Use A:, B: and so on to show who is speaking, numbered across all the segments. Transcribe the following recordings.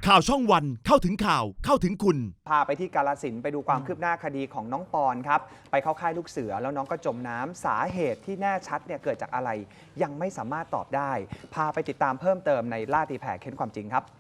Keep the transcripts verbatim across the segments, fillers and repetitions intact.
A: ข่าวช่องวันเข้าถึงข่าวเข้าถึงคุณ
B: พาไปที่กาฬสินธุ์ไปดูความคืบหน้าคดีของน้องปอนครับไปเข้าค่ายลูกเสือแล้วน้องก็จมน้ำสาเหตุที่แน่ชัดเนี่ยเกิดจากอะไรยังไม่สามารถตอบได้พาไปติดตามเพิ่มเติมในล่าตีแผ่เค้นความจริงครับ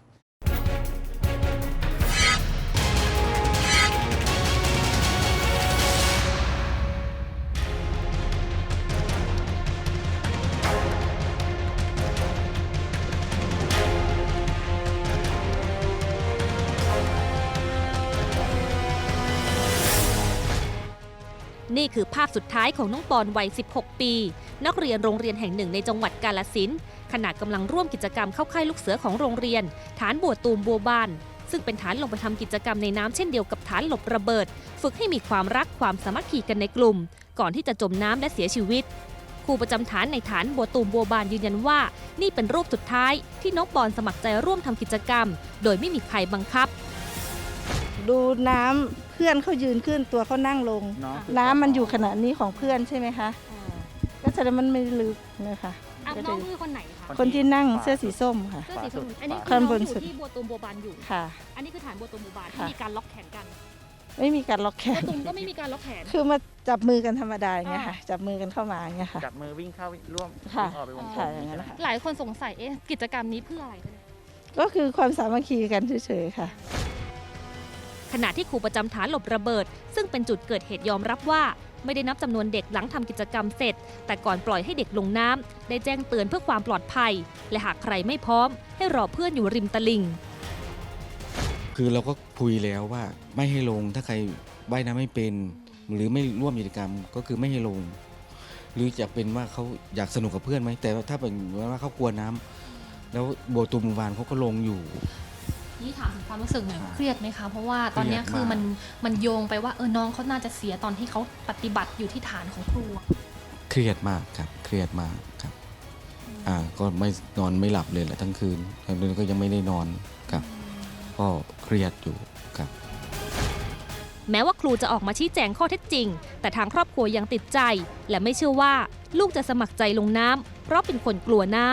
C: นี่คือภาพสุดท้ายของน้องปอนวัย สิบหก ปี นักเรียนโรงเรียนแห่งหนึ่งในจังหวัดกาฬสินธุ์ขณะกำลังร่วมกิจกรรมเข้าค่ายลูกเสือของโรงเรียน ฐานบัวตูมบัวบานซึ่งเป็นฐานลงไปทำกิจกรรมในน้ำเช่นเดียวกับฐานหลบระเบิด ฝึกให้มีความรักความสามัคคีกันในกลุ่ม ก่อนที่จะจมน้ำและเสียชีวิตครูประจำฐานในฐานบัวตูมบัวบานยืนยันว่านี่เป็นรูปสุดท้ายที่น้องปอนสมัครใจร่วมทำกิจกรรม โดยไม่มีใครบังคับ
D: ดูน้ำเพื่อนเขายืนขึ้นตัวเขานั่งลงน้ำมันอยู่ขนาดนี้ของเพื่อนใช่ไหมคะก็แสดงมันไม่ลึกนะคะ
C: น้องคือคนไหนคะ
D: คนที่นั่งเสื้อสีส้มค่ะ
C: เสื้อสีส้มอันนี้
D: คือน้อง
C: อยู่ที่บัวตูมบัวบานอยู่
D: ค่ะ
C: อันนี้คือฐานบัวตูมบัวบานที่มีการล็อกแขนกัน
D: ไม่มีการล็อกแขน
C: บัวตูมก็ไม่มีการล็อกแขน
D: คือมาจับมือกันธรรมดาอย่างเงี้ยค่ะจับมือกันเข้ามาอย่างเงี้ยค่ะ
E: จับมือวิ่งเข้าร่วม
D: ค่ะ
E: ออกไปวงกล
D: ค่ะ
E: ม
D: อย่างนั้นค่ะ
C: หลายคนสงสัยเอ๊ะกิจกรรมนี้เพื่ออะไรกัน
D: ก็คือความสามัคคีกันเฉยๆค่ะ
C: ขณะที่ครูประจำฐานหลบระเบิดซึ่งเป็นจุดเกิดเหตุยอมรับว่าไม่ได้นับจำนวนเด็กหลังทำกิจกรรมเสร็จแต่ก่อนปล่อยให้เด็กลงน้ำได้แจ้งเตือนเพื่อความปลอดภัยและหากใครไม่พร้อมให้รอเพื่อนอยู่ริมตลิ่ง
F: คือเราก็คุยแล้วว่าไม่ให้ลงถ้าใครว่ายน้ำไม่เป็นหรือไม่ร่วมกิจกรรมก็คือไม่ให้ลงหรือจะเป็นว่าเขาอยากสนุกกับเพื่อนไหมแต่ถ้าเป็นว่าเขากลัวน้ำแล้วโบตูมวานเขาก็ลงอยู่
G: นี่ถามถึงความรู้สึกหน่อยเครียดไหมคะเพราะว่าตอนนี้คือมันมันโยงไปว่าเออน้องเขาน่าจะเสียตอนที่เขาปฏิบัติอยู่ที่ฐานของครู
F: เครียดมากครับเครียดมากครับอ่าก็ไม่นอนไม่หลับเลยแหละทั้งคืนทั้งคืนก็ยังไม่ได้นอนครับก็เครียดอยู่ครับ
C: แม้ว่าครูจะออกมาชี้แจงข้อเท็จจริงแต่ทางครอบครัวยังติดใจและไม่เชื่อว่าลูกจะสมัครใจลงน้ำเพราะเป็นคนกลัวน้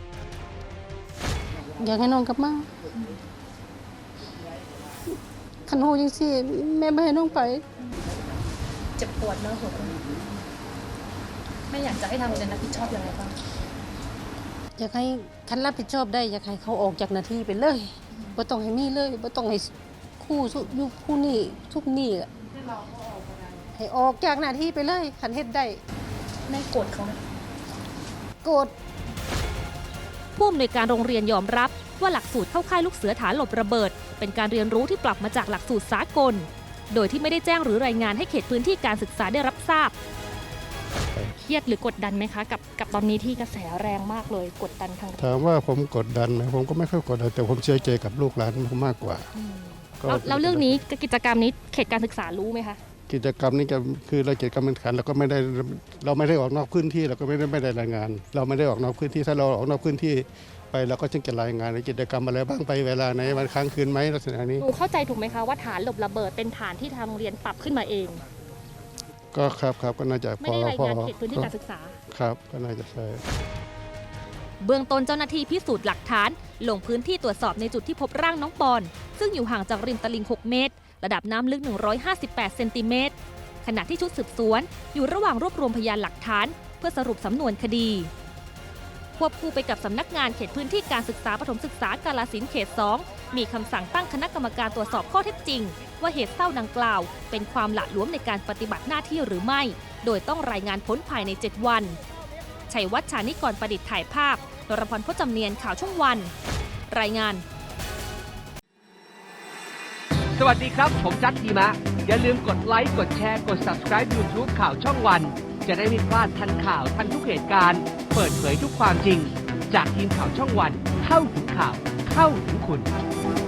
H: ำอยากให้น้องกลับมาขันโหยังสิแม่ไม่ให้น้องไป
G: เจ็บปวดนะหัวไม่อยากจะให้ทางโรงเรียนรับผิดชอบยังไงบ้าง
H: อยากให้คันรับผิดชอบได้อยากให้เขาออกจากหน้าที่ไปเลยบ่ต้องให้มีเลยบ่ต้องให้คู่ยุคคู่นี้ทุกนี้ให้ออกจากหน้าที่ไปเลยคันเฮ็ดได้
G: แม่โกรธเขาไหม
H: โกรธ
C: ผู้อำนวยการโรงเรียนยอมรับว่าหลักสูตรเข้าค่ายลูกเสือฐานหลบระเบิดเป็นการเรียนรู้ที่ปรับมาจากหลักสูตรสากลโดยที่ไม่ได้แจ้งหรือรายงานให้เขตพื้นที่การศึกษาได้รับทราบเครียดหรือกดดันไหมคะกับกับตอนนี้ที่กระแสแรงมากเลยกดดันทาง
I: ถามว่าผมกดดันไหมผมก็ไม่ค่อยกดดันแต่ผมเชื่อใจกับลูกหลานมากกว่า
C: แล้วเรื่องนี้กิจกรรมนี้เขตการศึกษารู้ไหมคะ
I: กิจกรรมนี้จะคือเรากิจกรรมแข่งขันเราก็ไม่ได้เราไม่ได้ออกนอกพื้นที่เราก็ไม่ได้ไม่ได้รายงานเราไม่ได้ออกนอกพื้นที่ถ้าเราออกนอกพื้นที่ไปเราก็จึงจะรายงานในกิจกรรมอะไรบ้างไปเวลาไหนวันค้างคืนไหมลักษณะนี้
C: หนูเข้าใจถูกไหมคะว่าฐานหลบระเบิดเป็นฐานที่ทางโรงเรียนปรับขึ้นมาเอง
I: ก็ครับครับก็น่าจะ
C: ไม่ได้รายงานเขตพื้นที่การศึกษา
I: ครับก็น่าจะใช่
C: เบื้องต้นเจ้าหน้าที่พิสูจน์หลักฐานลงพื้นที่ตรวจสอบในจุดที่พบร่างน้องปอนซึ่งอยู่ห่างจากริมตลิ่งหกเมตรระดับน้ำลึกหนึ่งร้อยห้าสิบแปดเซนติเมตรขณะที่ชุดสืบสวนอยู่ระหว่างรวบรวมพยานหลักฐานเพื่อสรุปสำนวนคดีควบคู่ไปกับสำนักงานเขตพื้นที่การศึกษาประถมศึกษากาฬสินธุ์เขตสองมีคำสั่งตั้งคณะกรรมการตรวจสอบข้อเท็จจริงว่าเหตุเศร้าดังกล่าวเป็นความหละหลวมในการปฏิบัติหน้าที่หรือไม่โดยต้องรายงานผลภายในเจ็ดวันชัยวัฒน์ ชานิกรประดิษฐ์ถ่ายภาพนรพร พจน์จำเนียนข่าวช่องวันรายงาน
J: สวัสดีครับผมจัดทีมะอย่าลืมกดไลค์กดแชร์กด ซับสไครบ์ ยูทูบ ข่าวช่องวันจะได้ไม่พลาดทันข่าวทันทุกเหตุการณ์เปิดเผยทุกความจริงจากทีมข่าวช่องวันเข้าถึงข่าวเข้าถึงคุณ